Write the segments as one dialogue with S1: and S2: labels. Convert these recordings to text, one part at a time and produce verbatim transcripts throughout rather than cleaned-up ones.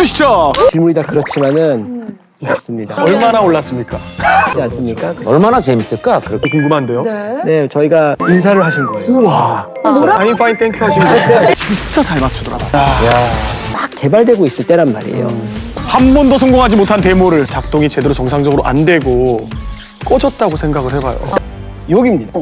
S1: 주시죠.
S2: 질문이 다 그렇지만은 맞습니다.
S1: 얼마나 올랐습니까?
S2: 그렇지 않습니까?
S3: 얼마나 재밌을까? 그렇게
S1: 궁금한데요.
S4: 네.
S2: 네, 저희가 인사를 하신 거예요.
S1: 우와. 파인 파인 땡큐 하신 거 진짜 잘 맞추더라고요.
S2: 막 개발되고 있을 때란 말이에요.
S1: 한 번도 성공하지 못한 데모를 작동이 제대로 정상적으로 안 되고 꺼졌다고 생각을 해봐요.
S2: 여기입니다.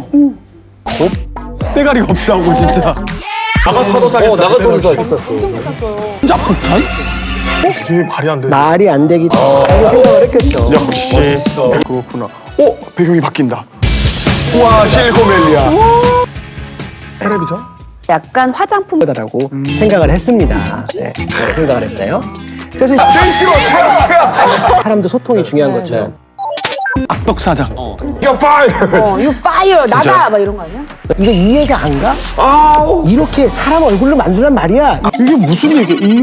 S1: 때가리가 없다고 진짜. 나가타도 사겠다.
S3: 어, 나가토도 있었어.
S1: 혼자 폭탄? 어? 이게 말이 안 돼.
S2: 말이 안 되기라고 생각을 했겠죠.
S1: 역시 그렇구나. 어? 배경이 바뀐다. 우와 실리콘밸리야. 텔레비전?
S4: 약간 화장품
S2: 라고 생각을 했습니다. 네, 그렇게 생각을 했어요. 그래서
S1: 제일 싫어 최악 최악.
S2: 사람도 소통이 중요한 것처럼
S1: 악덕 사장. 야 파이.
S4: 어, you fire 나다 막 이런 거 아니야?
S2: 이거 이해가 안 가?
S1: 아우.
S2: 이렇게 사람 얼굴로 만들란 말이야.
S1: 이게 무슨 얘기? 이...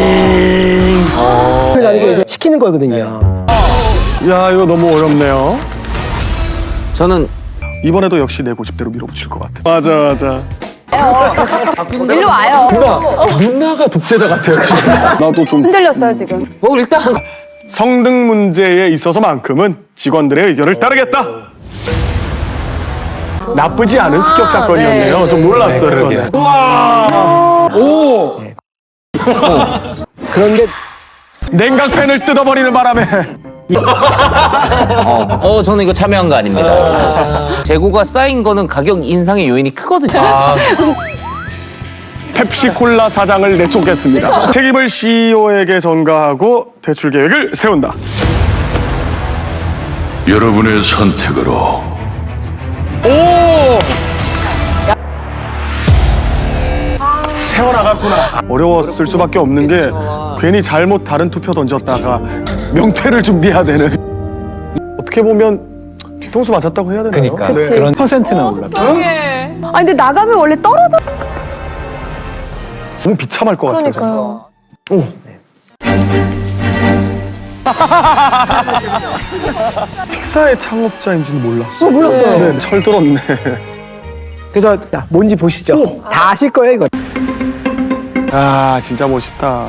S2: 그래서 나는 이게 이제 시키는 거거든요.
S1: 야 이거 너무 어렵네요.
S3: 저는
S1: 이번에도 역시 내 고집대로 밀어붙일 것 같아. 맞아 맞아.
S4: 일로 와요.
S1: 누나 누나가 독재자 같아요 지금. 나도 좀
S4: 흔들렸어요 지금.
S3: 뭐 일단
S1: 성등 문제에 있어서만큼은 직원들의 의견을 따르겠다. 나쁘지 않은 습격 사건이었네요.
S4: 네.
S1: 좀 놀랐어요.
S3: 네, 그러게요.
S1: 우와. 오.
S2: 그런데
S1: 냉각팬을 뜯어버리는 바람에.
S3: 어, 어 저는 이거 참여한 거 아닙니다. 재고가 쌓인 거는 가격 인상의 요인이 크거든요. 아,
S1: 펩시콜라 사장을 내쫓겠습니다. 책임을 씨이오에게 전가하고 대출 계획을 세운다.
S5: 여러분의 선택으로
S1: 오! 세워나갔구나. 어려웠을 수밖에 없는 게 괜히 잘못 다른 투표 던졌다가 명퇴를 준비해야 되는. 어떻게 보면 뒤통수 맞았다고 해야 되나요?
S3: 그러니까.
S1: 네.
S3: 그런
S2: 퍼센트나 올랐다.
S4: 아 근데 나가면 원래 떨어져.
S1: 너무 비참할 것 같아요. 정말. 오. 픽사의 창업자인지는 몰랐어.
S4: 어, 몰랐어요.
S1: 네, 철들었네.
S2: 그래서 자, 뭔지 보시죠. 다 아실 거예요, 이거.
S1: 아, 진짜 멋있다.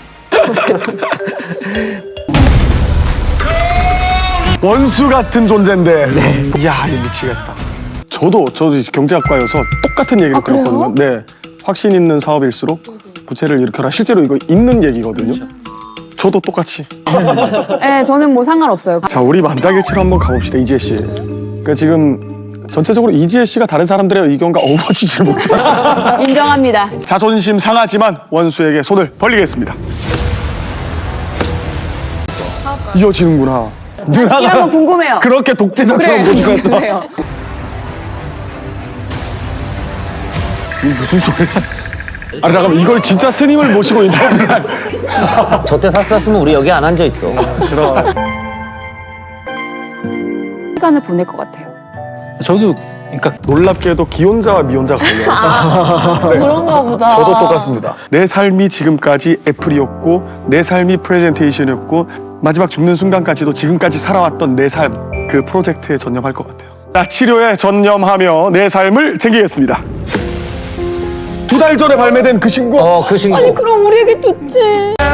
S1: 원수 같은 존재인데. 네. 이야, 이거 미치겠다. 저도 저도 경제학과여서 똑같은 얘기를
S4: 아, 그래요?
S1: 들었거든요. 네, 확신 있는 사업일수록 부채를 일으켜라. 실제로 이거 있는 얘기거든요. 저도 똑같이.
S4: 네, 저는 뭐 상관없어요.
S1: 자, 우리 만장일치로 한번 가봅시다, 이지혜 씨. 그러니까 지금 전체적으로 이지혜 씨가 다른 사람들의 의견과 어우러지질 못해.
S4: 인정합니다.
S1: 자존심 상하지만 원수에게 손을 벌리겠습니다. 이어지는구나. 누나가
S4: 이런 거 궁금해요.
S1: 그렇게 독재자처럼 보지
S4: 그래,
S1: 같다.
S4: 그래요.
S1: 이게 무슨 소리야? 아니 잠깐만, 이걸 진짜 스님을 모시고 인터뷰할.
S3: 저때 샀었으면 우리 여기 안 앉아 있어.
S1: 그럼.
S4: 시간을 보낼 것 같아요.
S6: 저도 그러니까
S1: 놀랍게도 기혼자와 미혼자가 걸려요. 네.
S4: 그런가 보다.
S1: 저도 똑같습니다. 내 삶이 지금까지 애플이었고 내 삶이 프레젠테이션이었고 마지막 죽는 순간까지도 지금까지 살아왔던 내 삶, 그 프로젝트에 전념할 것 같아요. 자, 치료에 전념하며 내 삶을 챙기겠습니다. 두 달 전에 발매된 그 신곡.
S3: 어, 그 신곡.
S4: 아니 그럼 우리 얘기 듣지.